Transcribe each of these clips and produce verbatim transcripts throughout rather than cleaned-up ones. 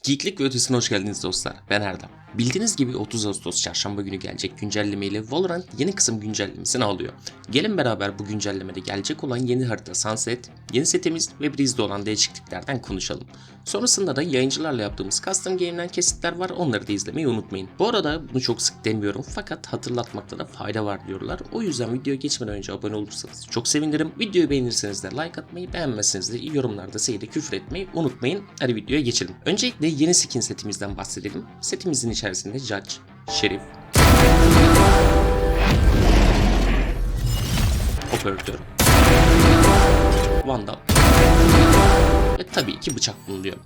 Geeklik ve ötesine hoş geldiniz dostlar. Ben Erdem. Bildiğiniz gibi otuz Ağustos çarşamba günü gelecek güncellemeyle Valorant yeni kısım güncellemesini alıyor. Gelin beraber bu güncellemede gelecek olan yeni harita Sunset, yeni setimiz ve Breeze'de olan değişikliklerden konuşalım. Sonrasında da yayıncılarla yaptığımız custom game'den kesitler var, onları da izlemeyi unutmayın. Bu arada bunu çok sık demiyorum fakat hatırlatmakta da fayda var diyorlar. O yüzden videoya geçmeden önce abone olursanız çok sevinirim. Videoyu beğenirseniz de like atmayı, beğenmezseniz de yorumlarda seyirde küfür etmeyi unutmayın. Hadi videoya geçelim. Öncelikle yeni skin setimizden bahsedelim. Setimizin içerisinde Judge, Şerif, Operatör, Vandal ve tabii ki bıçak bulunuyor.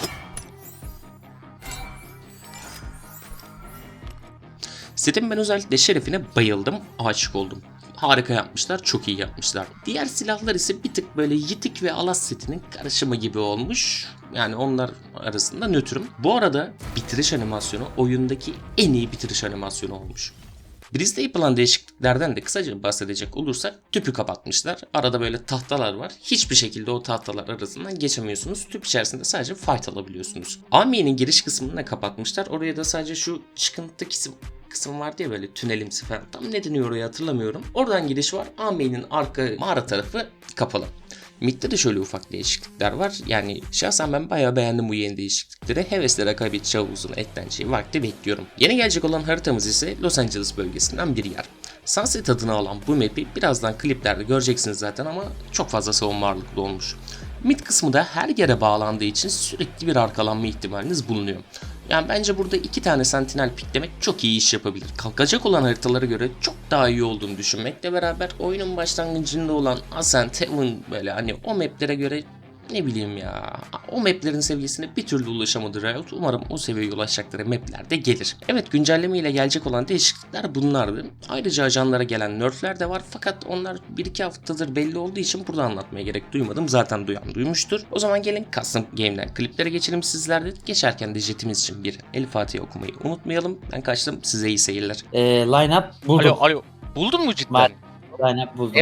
Setin ben özellikle Şerif'ine bayıldım, aşık oldum. Harika yapmışlar, çok iyi yapmışlar. Diğer silahlar ise bir tık böyle Yitik ve Alas setinin karışımı gibi olmuş. Yani onlar arasında nötrüm. Bu arada bitiriş animasyonu oyundaki en iyi bitiriş animasyonu olmuş. Breeze'de yapılan değişikliklerden de kısaca bahsedecek olursak tüpü kapatmışlar. Arada böyle tahtalar var. Hiçbir şekilde o tahtalar arasından geçemiyorsunuz. Tüp içerisinde sadece fight alabiliyorsunuz. A M I'nin giriş kısmını da kapatmışlar. Oraya da sadece şu çıkıntı kısım kısım var diye böyle tünelimsi falan. Tam ne deniyor oraya hatırlamıyorum. Oradan giriş var. A M I'nin arka mağara tarafı kapalı. Mid'de de şöyle ufak değişiklikler var. Yani şahsen ben bayağı beğendim bu yeni değişiklikleri. Hevesle rekabetçi havuzuna ekleneceği vakti bekliyorum. Yeni gelecek olan haritamız ise Los Angeles bölgesinden bir yer. Sunset adını alan bu map'i birazdan kliplerde göreceksiniz zaten ama çok fazla savunma ağırlıklı olmuş. Mid kısmı da her yere bağlandığı için sürekli bir arkalanma ihtimaliniz bulunuyor. Yani bence burada iki tane sentinel piklemek çok iyi iş yapabilir. Kalkacak olan haritalara göre çok daha iyi olduğunu düşünmekle beraber oyunun başlangıcında olan Ascent, Heaven böyle hani o maplere göre ne bileyim ya, o maplerin seviyesine bir türlü ulaşamadı Riot. Umarım o seviyeye ulaşacakları mapler de gelir. Evet, güncelleme ile gelecek olan değişiklikler bunlardı. Ayrıca ajanlara gelen nerfler de var fakat onlar bir iki haftadır belli olduğu için burada anlatmaya gerek duymadım. Zaten duyan duymuştur. O zaman gelin custom game'den kliplere geçelim sizlerde. Geçerken de jetimiz için bir El Fatiha okumayı unutmayalım. Ben kaçtım, size iyi seyirler. Ee, line up buldum. Alo alo. Buldun mu cidden? Line up buldum. E-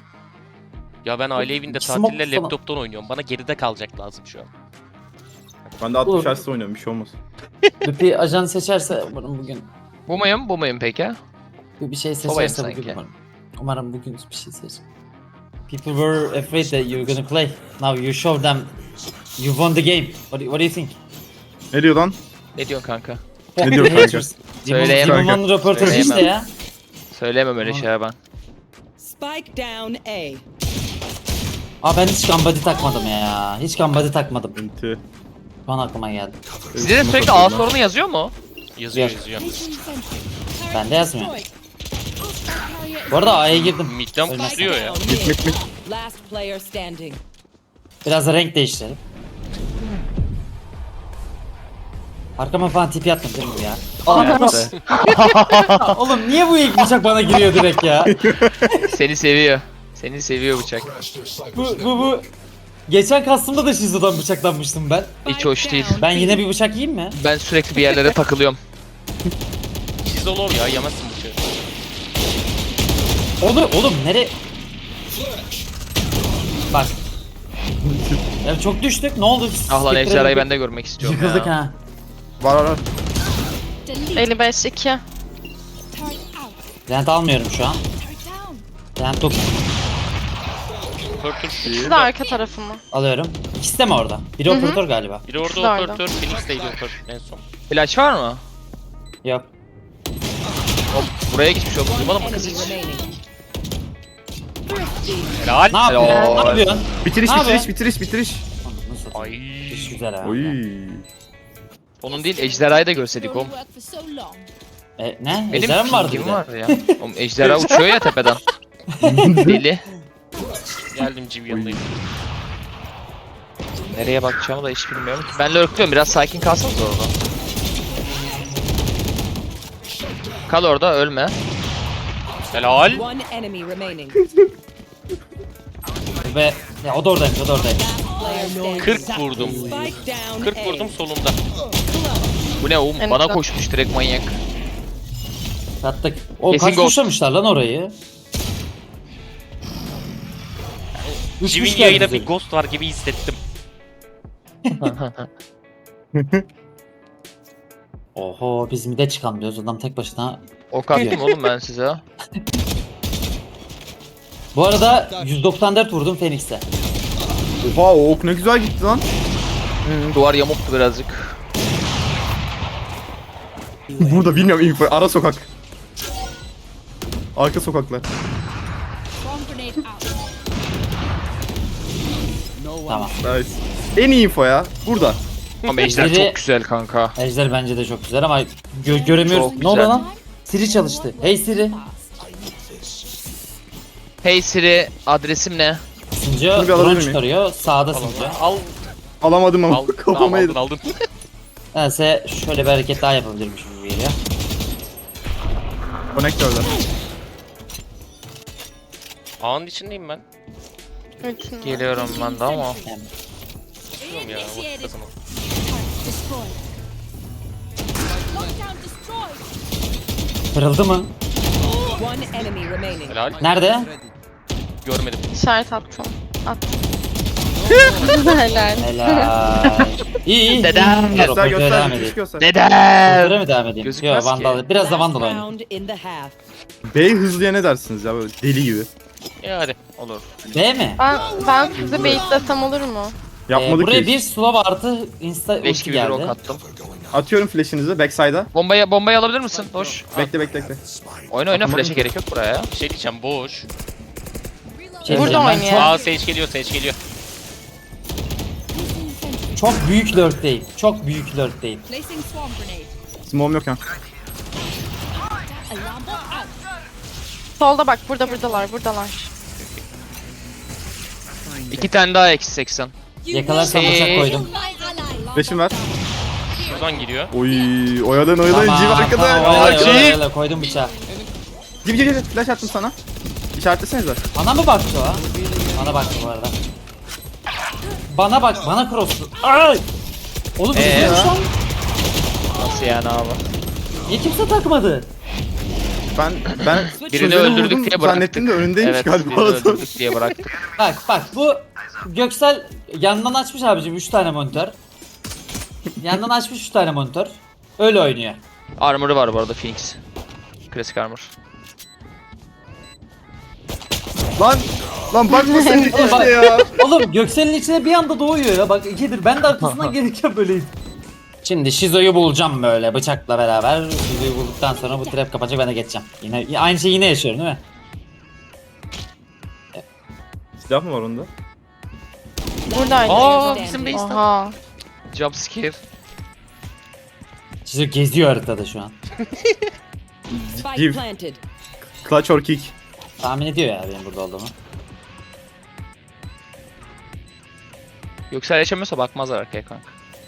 Ya ben aile evinde Smoke tatille falan. laptoptan oynuyorum. Bana geride kalacak lazım şu an. Ben de altmış Olur. Hz'de oynuyorum, bir şey olmaz. Lupi ajan seçerse umarım bugün Bu muyum? Bu muyum peki? bir bir şey Babayım seçerse bugün sanki. umarım. Umarım bugün bir şey seçer. People were afraid that you were gonna play. Now you show them you won the game. What do, what do you think? Ne diyor lan? Ne diyorsun kanka? Ne diyor kanka? Haters. Demon, Söyleyemem. Demon röportajı Söyleyemem. işte ya. Söyleyemem öyle Tamam. şeyler ben. Spike down A. Aa ben hiç gambadi takmadım ya. Hiç gambadi takmadım. Enti. Şu an aklıma geldi. Sizde de sürekli A sorunu yazıyor mu? Yazıyor Yok. yazıyor. Bende yazmıyor. Bu arada A'ya girdim. Mid'den Ölmez. pusuyor ya. Mit mit mit. Last player standing. Biraz da renk değiştirelim. Arkama falan tipi attım değil mi ya? Yaptı. Oğlum niye bu ilk bıçak bana giriyor direkt ya? Seni seviyor. Seni seviyor bıçak. Bu bu bu. Geçen kastımda da Shizu'dan bıçaklanmıştım ben. Hiç hoş değil. Ben yine bir bıçak yiyeyim mi? Ben sürekli bir yerlere takılıyorum. Çizol ya, yemezsin bıçağı. Olur oğlum nere? Bak. Ya çok düştük. Ne oldu? Ah lan Spectre'e ejderhayı bir- ben de görmek istiyorum Yıkıldık ya. ha. Var var var. elli beş iki. Lent almıyorum şu an. Lent yok. Operatör İkisi de arka tarafı mı? Alıyorum. İkisi de mi orada? Biri Hı hı. operatör galiba. biri orada Kızlardı. operatör, Phoenix'teydi operatör en son. Flash var mı? Yok. Hop buraya geçmiş oldum. Duymadın mı kız hiç? Remaining. Helal. Ne yapıyorsun? Helal. Ne yapıyorsun? Bitiriş Ne bitiriş haber? bitiriş bitiriş. Nasıl? Ay. İş güzel ha. Oy. Onun değil ejderhayı da görseydik oğlum. E, ne? Benim Ejderha mı vardı bir pingim de? var ya. Oğlum ejderha uçuyor ya tepeden. Deli. Geldim civ yanındayım. Nereye bakacağımı da hiç bilmiyorum. Ben lurkluyorum, biraz sakin kalsanız orada. Kal orada, ölme. Helal. One enemy remaining. Ve ya o da oradaymış, o da oradaymış. Player standing. kırk vurdum. Spike down kırk A. vurdum solunda. Bu ne oğlum? En Bana güzel. koşmuş direkt manyak. Sattık. O Kesin kaç ghost. kuşlamışlar lan orayı? Üç Civ'in kuş yayına geldi bir ghost var gibi hissettim. Oho biz mide çıkalım diyoruz adam tek başına. Ok attım oğlum ben size. Bu arada yüz doksan dört vurdum Phoenix'e. Oha o ok ne güzel gitti lan. Hmm, duvar yamuktu birazcık. Burada bilmiyorum info. Ara sokak. Arka sokaklar. Tamam. Nice. En iyi info ya. Burada. Ama ejder Biri- çok güzel kanka. Ejder bence de çok güzel ama gö- göremiyoruz. Çok Ne oldu güzel. lan? Siri çalıştı. Hey Siri. Hey Siri adresim ne? Sinco Bunu bir alabilir drone miyim? çıkarıyor. Sağda Sinco. Al. Alamadım ama Al. kafama Tamam aldın yedim. aldın. Nedense şöyle bir hareket daha yapabilirmiş gibi geliyor. Konektörler. Ağın içindeyim ben. Evet. Geliyorum ben de ama. Yani Bilmiyorum ya. Vakit kazanalım. kırıldı mı? One enemy remaining. Helal. Nerede? Görmedim. İşaret attım. Attım. Helal. Helal. İyi iyi. Dedem. Dur, Göster operatöre devam göster. edeyim. Hiç göster. Neden? Operatöre mi devam edeyim? Gözükmez Yok Vandal. ki. Biraz da Vandal Last oynayayım. round in the half. Bey hızlıya ne dersiniz ya böyle deli gibi. Ya hadi olur. B mi? Ben, ben sizi baitlasam olur mu? Ee, Yapmadık buraya ki. bir slow artı insta Leş ulti gibi bir ok geldi. attım. Atıyorum flash'inizi backside'a. Bombayı, bombayı alabilir misin? Boş. Bekle bekle bekle. Oyna oyna Atamadım flash'e ki. gerek yok buraya ya. Bir şey diyeceğim boş. Şey Burada diyeceğim, ben oynuyor. Aa Sage geliyor Sage geliyor. Çok, çok büyük lurkteyim. Çok büyük lurkteyim. Placing swarm grenade. Smoke'um yok ya. Solda bak burada buradalar buradalar. İki tane daha eksi seksen. Yakalarsam Şey- bıçak koydum. Flash'im ver. Şuradan giriyor. Oy oyadan oyadan civ arkada. tamam, Aa, öyle, civ. öyle, öyle, koydum bıçağı. Civ civ civ. Flash attım sana. İşaretlesenize. Bana mı baktı o? Bana baktı bu arada. Bana bak, bana cross'tu. Ay! Oğlum Ee? ee, lan. Nasıl yani abi? Niye kimse takmadı? Ben ben Birini sözünü öldürdük vurdum, diye bıraktık. zannettim de önündeymiş Evet, galiba. birini öldürdük diye bıraktık. Bak bak bu Göksel yandan açmış abicim üç tane monitör. Yandan açmış üç tane monitör. Öyle oynuyor. Armor'ı var bu arada Phoenix. Klasik armor. Lan lan bakma sen de Oğlum bak- işte ya. Oğlum Göksel'in içine bir anda doğuyor ya. Bak ikidir. Ben de arkasından gelirken böyleyim. Şimdi Shizo'yu bulacağım böyle bıçakla beraber. Shizo'yu bulduktan sonra bu trap kapacak ben de geçeceğim. Yine aynı şeyi yine yaşıyorum değil mi? Silah mı var onda? Buradaydı. Aa bizim base. Oha. Jump scare. Shizo geziyor haritada şu an. Spike Give. planted. Clutch or kick. Tahmin ediyor ya benim burada olduğumu. Yoksa yaşamıyorsa bakmazlar arkaya kanka.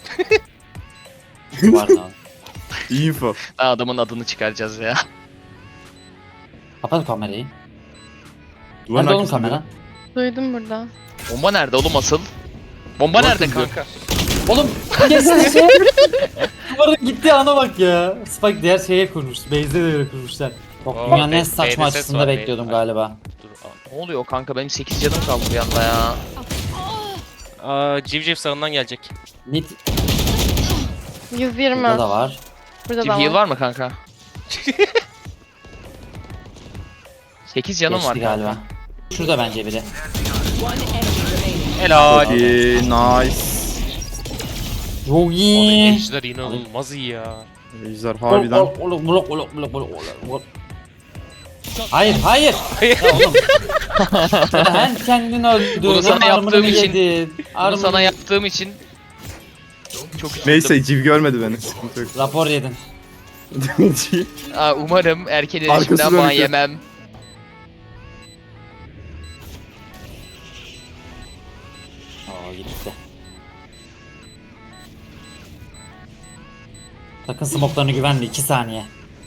Var da. İyi info. Ha, adamın adını çıkaracağız ya. Kapat kamerayı. Duvarın Nerede oğlum arkasında. kamera? Duydum burada. Bomba nerede oğlum asıl? Bomba Bakın nerede diyor. kanka? Oğlum kesin şey. Duvarın gittiği ana bak ya. Spike diğer şeye kurmuş. Base'de de öyle kurmuşlar. Bak Oo, dünyanın en B- saçma B'de ses açısında var, B- bekliyordum B- galiba. Dur. aa. Ne oluyor kanka benim sekiz canım kaldı bir anda ya. Aa Civciv sağından gelecek. Mid yüz yirmi. burada da var. Burada Team da heal var. var mı kanka? sekiz canım Geçti var galiba. galiba. Şurada bence biri. One enemy remaining. Helal. İyi, nice. Çok Abi iyi. Ejder inanılmaz iyi ya. Ejder harbiden. Oğlum, oğlum, oğlum, oğlum, oğlum, oğlum, oğlum. Hayır, hayır. Ya oğlum. Sen kendin öldürdün. Bunu sana hem armor'ını yaptığım için- yedin. Bunu Armor'ını- sana yaptığım için çok üzüldüm. Neyse civ görmedi beni. Sıkıntı yok. Rapor yedin. Aa, umarım erken Arkası erişimden ban dönük. yemem. Oo gitti. Sakın smoke'larını güvenli iki saniye.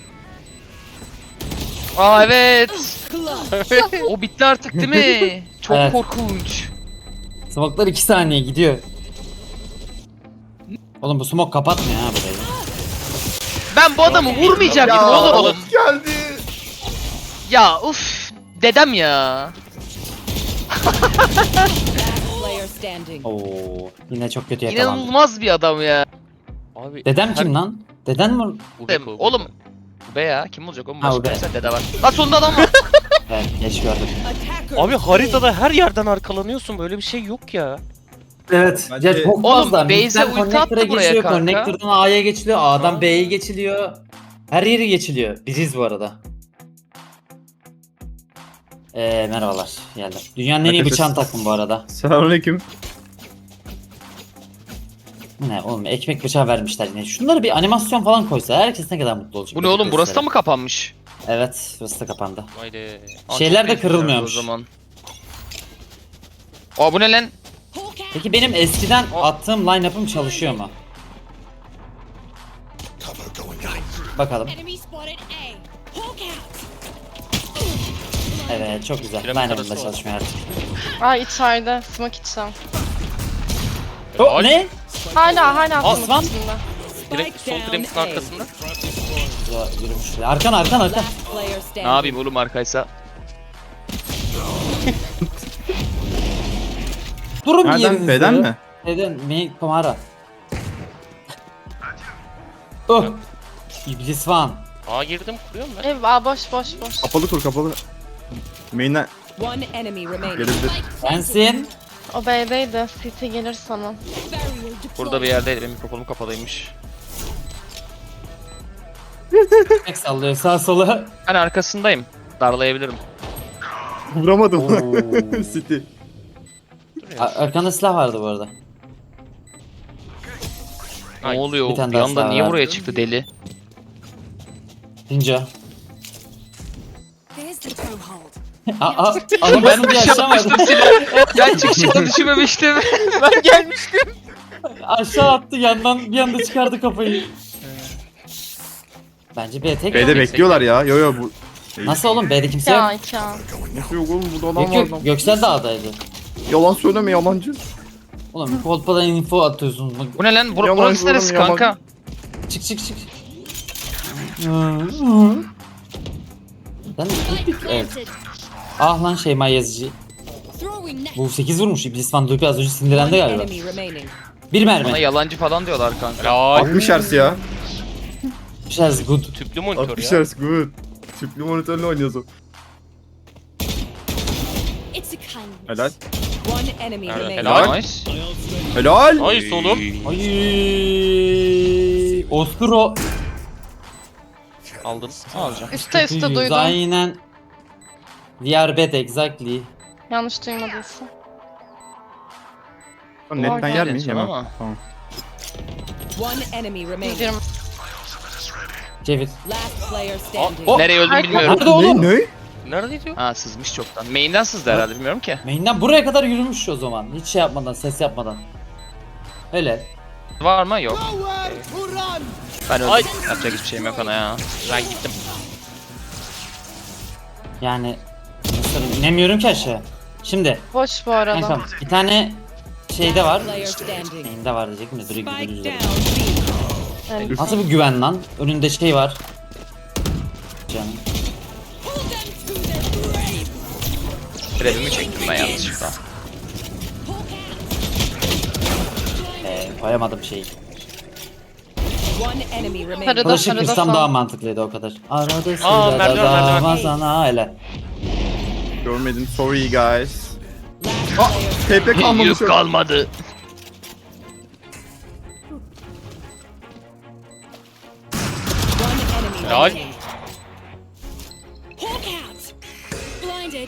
Aa evet. O bitti artık değil mi? Çok Evet. korkunç. Smoke'lar iki saniye gidiyor. Oğlum bu smoke kapatmıyor ha burayı. Ben bu adamı vurmayacak mıydım oğlum? geldi. Ya uf dedem ya. Last player standing. Oo yine çok kötü yakaladım. İnanılmaz bir adam ya. Abi, Dedem her- kim lan? Deden mi? Bu Dem- Beko, bu Oğlum. Beko. Be ya kim olacak oğlum Ha, başka o be. neyse dede var. Lan sonunda adam var. Evet geç gördüm. Abi haritada her yerden arkalanıyorsun. Böyle bir şey yok ya. Evet. Bence- Ya çok Oğlum, fazla. base'e Mid'den ulti attı connector'a buraya geçiyor. kanka. Connector'dan A'ya geçiliyor. A'dan Ha. B'ye geçiliyor. Her yeri geçiliyor. Biriz bu arada. Eee merhabalar. Geldim. Dünyanın en iyi Herkes- bıçağını taktım bu arada. Selamünaleyküm. Ne oğlum ekmek bıçağı vermişler yine. Şunları bir animasyon falan koysa herkes ne kadar mutlu olacak. Bu ne oğlum burası da mı kapanmış? Evet burası da kapandı. Haydi. Aa, Şeyler çok de iyi kırılmıyormuş. O zaman. Aa bu ne lan? Peki benim eskiden attığım line-up'ım çalışıyor mu? Bakalım. Enemy spotted A. Hawk out. Evet çok güzel. Piramit Line-up'ım da arası çalışmıyor artık. Aa içeride. Smoke içsem. Oh, ne? Hala hala Aslan. smoke içinde. Direkt sol Grims'in arkasında. Ya, yürümüş. Arkan arkan arkan. Last player Ne standing. yapayım oğlum arkaysa? Durun bir Nereden? yerinizde. B'den mi? Neden? Mi Komara. Oh. İblis Van. Aa girdim kuruyorum ben. Ev aa boş boş boş. Kapalı kur kapalı. Main'den One enemy remaining. gelebilir. Sensin. O B'deydi. C T gelir sana. Burada bir yerdeydi benim mikrofonum kapalıymış. Tek sallıyor sağ sola. Ben arkasındayım. Darlayabilirim. Vuramadım. Oo. City. A- Arkanda silah vardı bu arada. Ne Ay, oluyor? bir Bir, tane daha anda sağ niye var. buraya çıktı deli? Ninja. There's the toehold. Aa, aa, ama ben bir aşamadım. Ben çıkışını düşünmemiştim. Ben gelmiştim. Aşağı attı yandan bir anda çıkardı kafayı. Bence B tek. B'de bekliyorlar ya. Yo yo bu. Nasıl oğlum B'de kimse Ya yok. iki al. Nasıl yok oğlum burada adam Yok var lan. yok Göksel Dağ'daydı. Yalan söyleme yalancı. Oğlum kolpadan info atıyorsun. Bak, Bu ne lan? Bur Yalan burası neresi oğlum, yalan. kanka? çık çık çık. Sen evet. Ah lan Şeyma Yazıcı. Throwing net. Bu sekiz vurmuş. İblis Van Duygu az önce sinirlendi One galiba. enemy remaining. Bir Bana mermi. yalancı falan diyorlar kanka. Helal. altmış hertz ya. Biraz good. Tüplü monitör altmış ya. hertz good. Tüplü monitörle oynuyorsun. It's a kindness. Helal. One enemy Helal. remaining. Helal. Nice. Helal. Nice oğlum. Ay. Ostro. Aldın. Alacağım. Üste üste duydum. Aynen. We are bad exactly. Yanlış duymadıysa. Lan netten Orada yer miyim? diyeceğim Yemem. ama. Tamam. One enemy remaining. Gidiyorum. Cevit. Last player standing. Oh. Nereye öldüm Ay, bilmiyorum. Nerede oğlum? Ne? Ne? Nerede diyor? Ha sızmış çoktan. Main'den sızdı herhalde bilmiyorum ki. Main'den buraya kadar yürümüş o zaman. Hiç şey yapmadan, ses yapmadan. Öyle. Var mı? Yok. Ben öldüm. Ay. Yapacak hiçbir şeyim yok ona ya. Ben gittim. Yani nasıl inemiyorum ki aşağı. Şimdi Boş bu arada. kankam bir tane şeyde var. Player standing. Main'de var diyecektim de dur Spike gidiyoruz. down B. Evet. Nasıl bir güven lan? Önünde şey var. Canım. Grevimi çektim ben yanlışlıkla. Ee, koyamadım şeyi. One enemy remaining. Sarıda Kılıçı sarıda kırsam sağ. daha mantıklıydı o kadar. Arada Aa, sırada merdiven, merdiven. dava sana öyle. Görmedim. Sorry guys. Last Ah, player T P kalmamış. Yük kalmadı. One enemy Helal. remaining. Hawk out. Blinded.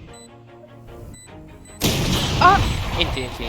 İnti inti.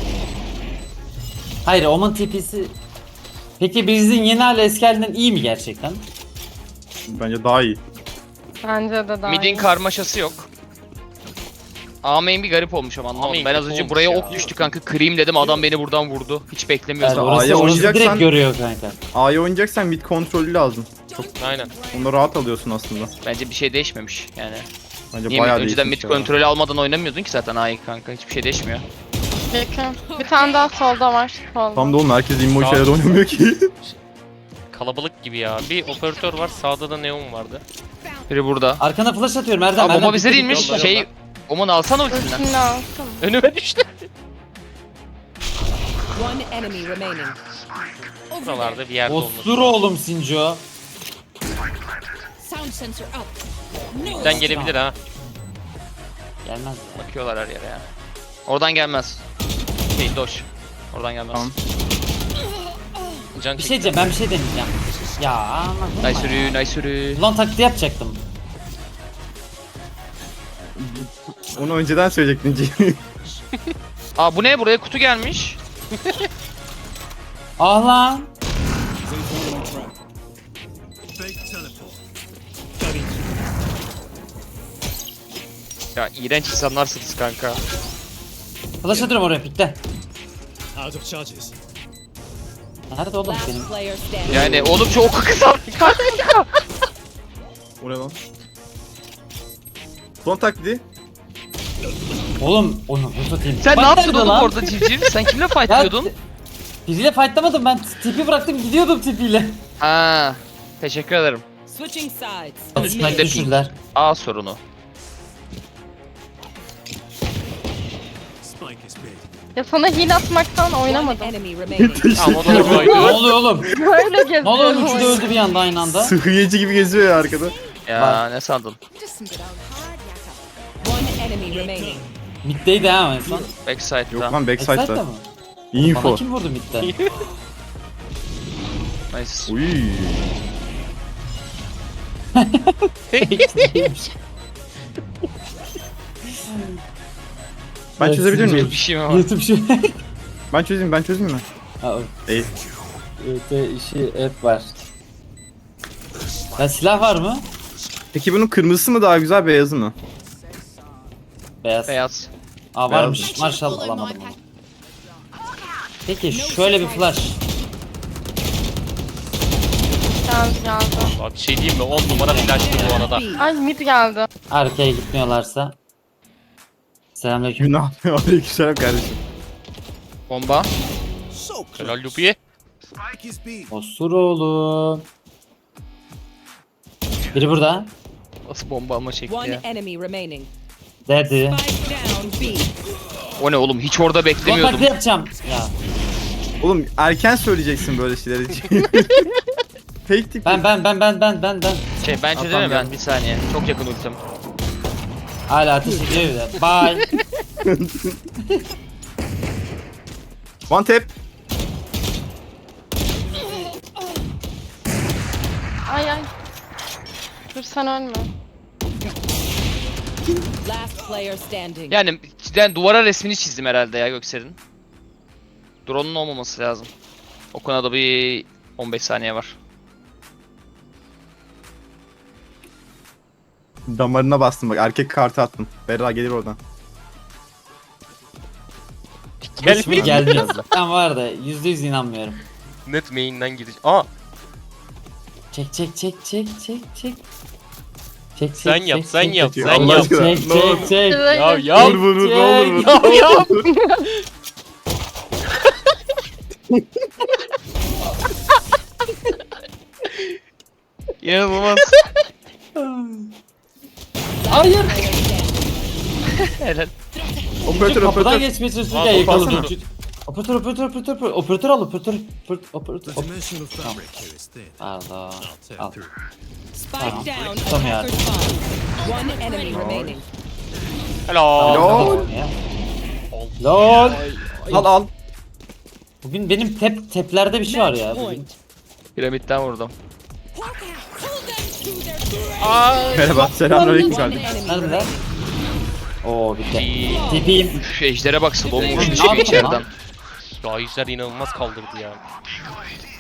Hayır Omen T P'si... Peki Breeze'in yeni hali eski halinden iyi mi gerçekten? Bence daha iyi. Bence de daha Mid'in iyi. karmaşası yok. A main bir garip olmuş ama anlamadım. main Ben az kötü önce olmuş buraya ya. ok düştü kanka. Kırayım dedim adam beni buradan vurdu. Hiç Yani beklemiyordum. A'ya orası, orası direkt oynayacaksan- görüyor kanka. A'ya oynayacaksan mid kontrolü lazım. Aynen. Onu rahat alıyorsun aslında. Bence bir şey değişmemiş yani. Bence Niye bayağı mid, önceden mid değişmiş ya. kontrolü almadan oynamıyordun ki zaten A'yı kanka. Hiçbir şey değişmiyor. Yakın. Bir tane daha solda var. Solda. Tam da oğlum herkes immo Tamam. şeyler oynamıyor ki. Kalabalık gibi ya. Bir operatör var. Sağda da neon vardı. Biri burada. Arkana flash atıyorum Erdem. Aa Erdem, bomba bize bitti, değilmiş. bitti, yolla, Şey yolla. Oman alsana ultisinden. Ultini alsın. Önüme düştü. One enemy remaining. Buralarda bir yerde olması. Osur oğlum Sinco. Sound sensor up. No. Bizden gelebilir ha. Gelmez ya. Bakıyorlar her yere ya. Oradan gelmez. Şey doş. Oradan gelmez. Tamam. Can Bir çekti. şey diyeceğim, ben bir şey deneyeceğim. Ya anladım. Nice yürü, nice yürü. Ulan taklidi yapacaktım. Onu önceden söyleyecektin Cihan. Aa bu ne? Buraya kutu gelmiş. Ah lan. Ya iğrenç insanlarsınız kanka. Flash atıyorum oraya pikte. Out of charges. Nerede oğlum senin? Last player standing. Yani oğlum çok kısa kanka. O ne lan? Son taklidi. Oğlum onu bu satayım. Sen Bak ne yaptın nerede oğlum lan? orada civciv? Sen kimle Ya, fightlıyordun? biriyle fightlamadım, ben tipi bıraktım gidiyordum tipiyle. Ha, teşekkür ederim. Switching sides. Üstüne Mid de düşürdüler. A sorunu. Spike is big. Ya sana heal atmaktan One oynamadım. enemy remaining. Tamam o da Ne koydu. oluyor oğlum? Böyle geziyorum. Ne oluyor oğlum, üçü de oyunu. öldü bir anda aynı anda. Sıhhiyeci gibi geziyor ya arkada. Ya Bak. ne sandın? One enemy remaining. Mid'deydi ha en son. Yok Backside'da. lan Backside'da backside'da. mı? Info. Bana kim vurdu mid'de? Nice. Uy. Ben Evet, çözebilir sizce- miyim? Bir şey mi var? YouTube şu. Ben çözeyim, ben çözeyim mi? Ha, o- Değil. öte işi hep var. Ya silah var mı? Peki bunun kırmızısı mı daha güzel, beyazı mı? Beyaz. Beyaz. Aa varmış. Maşallah alamadım onu. Peki şöyle bir flash. Geldi geldi. Abi bir şey diyeyim mi? on numara flash'tı bu arada. Ay mid geldi. Arkaya gitmiyorlarsa. Selamünaleyküm. Günah. Aleykümselam kardeşim. Bomba. So Helal close. Lupi'ye. Spike is big. Osur oğlum. Biri burada. Nasıl bomba ama çekti One ya. enemy remaining. Dedi. Spike down B. O ne oğlum? Hiç orada beklemiyordum. Kontaklı yapacağım. Ya Oğlum erken söyleyeceksin böyle şeyleri. Fake tip. ben ben ben ben ben ben ben. Şey ben Atam çözemem ben geldi. bir saniye. Çok yakın ultim. Hala ateş ediyor bir de. Bye. One tap. Ay ay. Dur sen ölme. Last player standing. Yani cidden duvara resmini çizdim herhalde ya Göksel'in. Drone'un olmaması lazım. O konuda bir on beş saniye var. Damarına bastım bak, erkek kartı attım. Berra gelir oradan. Hiç mi gelmiyor? Ben var da yüzde yüz inanmıyorum. Net main'den gidiş. Aa Çek çek çek çek çek çek. Çek sen çek, yap çek, sen çek, yap çek. sen Allah yap. aşkına. Çek Ne olur. çek çek. Ya ya. Vur vur vur, ne olur vur. Ya ya. İnanılmaz. Hayır. Helal. Operatör Kapıdan operatör. geçmeye çalışırken Aa, yakaladım. baksana. Operatör operatör operatör operatör operatör al operatör operatör operatör. The dimensional fabric here is thin. Pardon. I'll Al. tear through. Spike Tamam. down. Tamam ya. Attacker spawn. One enemy remaining. Helal. Lol. Lol. Al al. Bugün benim tep teplerde bir şey var ya. Match Bugün. point. Piramitten vurdum. Merhaba. Selamünaleyküm One kardeşim. enemy Neredeler? remaining. Oo bitti. Tipiyim. Üf, ejdere bak slow motion Ne çıkıyor yaptın içeriden. lan? Ya işler inanılmaz kaldırdı ya.